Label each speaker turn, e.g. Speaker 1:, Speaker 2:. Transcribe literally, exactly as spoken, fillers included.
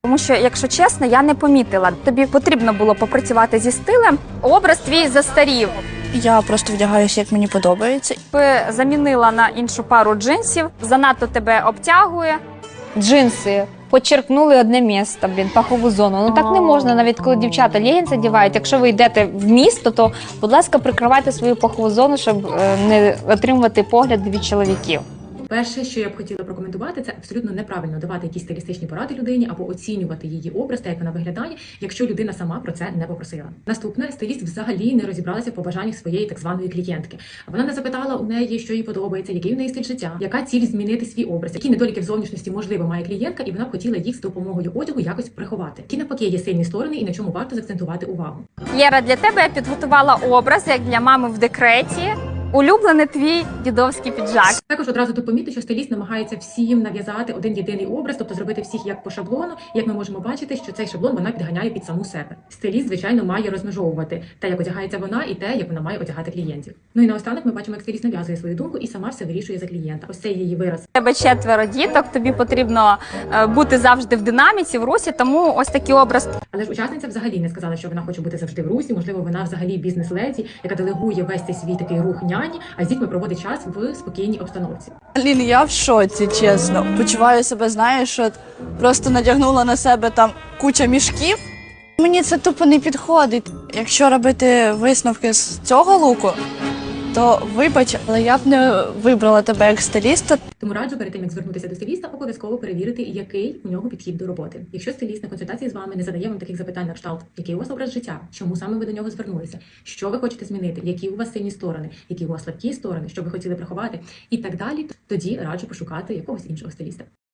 Speaker 1: Тому що, якщо чесно, я не помітила. Тобі потрібно було попрацювати зі стилем. Образ твій застарів.
Speaker 2: Я просто вдягаюся, як мені подобається.
Speaker 1: Би замінила на іншу пару джинсів, занадто тебе обтягує.
Speaker 3: Джинси почерпнули одне місце, блін, пахову зону. Ну так не можна, навіть коли дівчата легінси одягають. Якщо ви йдете в місто, то, будь ласка, прикривайте свою пахову зону, щоб е, не отримувати погляд від чоловіків.
Speaker 4: Перше, що я б хотіла прокоментувати, це абсолютно неправильно давати якісь стилістичні поради людині або оцінювати її образ та як вона виглядає, якщо людина сама про це не попросила. Наступне, стиліст взагалі не розібралася в побажаннях своєї так званої клієнтки. Вона не запитала у неї, що їй подобається, який у неї стиль життя, яка ціль змінити свій образ, які недоліки в зовнішності можливо має клієнтка, і вона б хотіла їх з допомогою одягу якось приховати. Які навпаки є сильні сторони і на чому варто заакцентувати увагу.
Speaker 1: Єра, для тебе я підготувала образ, як для мами в декреті. Улюблений твій дідовський піджак.
Speaker 4: Також одразу тут помітити, що стиліст намагається всім нав'язати один єдиний образ, тобто зробити всіх як по шаблону. Як ми можемо бачити, що цей шаблон вона підганяє під саму себе. Стиліст, звичайно, має розмежовувати те, як одягається вона, і те, як вона має одягати клієнтів. Ну і наостанок ми бачимо, як стиліст нав'язує свою думку і сама все вирішує за клієнта. Ось це її вираз.
Speaker 1: У тебе четверо діток, тобі потрібно е, бути завжди в динаміці, в русі, тому ось такий образ.
Speaker 4: Але ж учасниця взагалі не сказала, що вона хоче бути завжди в русі. Можливо, вона взагалі бізнес-леді, яка делегує весь цей свій такий рух няні, а з дітьми проводить час в спокійній обстановці.
Speaker 2: Лін, я в шоці, чесно. Почуваю себе, знаєш, от просто надягнула на себе там куча мішків. Мені це тупо не підходить. Якщо робити висновки з цього луку, то вибач, але я б не вибрала тебе як стиліста.
Speaker 4: Тому раджу перед тим, як звернутися до стиліста, обов'язково перевірити, який у нього підхід до роботи. Якщо стиліст на консультації з вами не задає вам таких запитань на кшталт, який у вас образ життя, чому саме ви до нього звернулися, що ви хочете змінити, які у вас сильні сторони, які у вас слабкі сторони, що ви хотіли приховати і так далі, тоді раджу пошукати якогось іншого стиліста.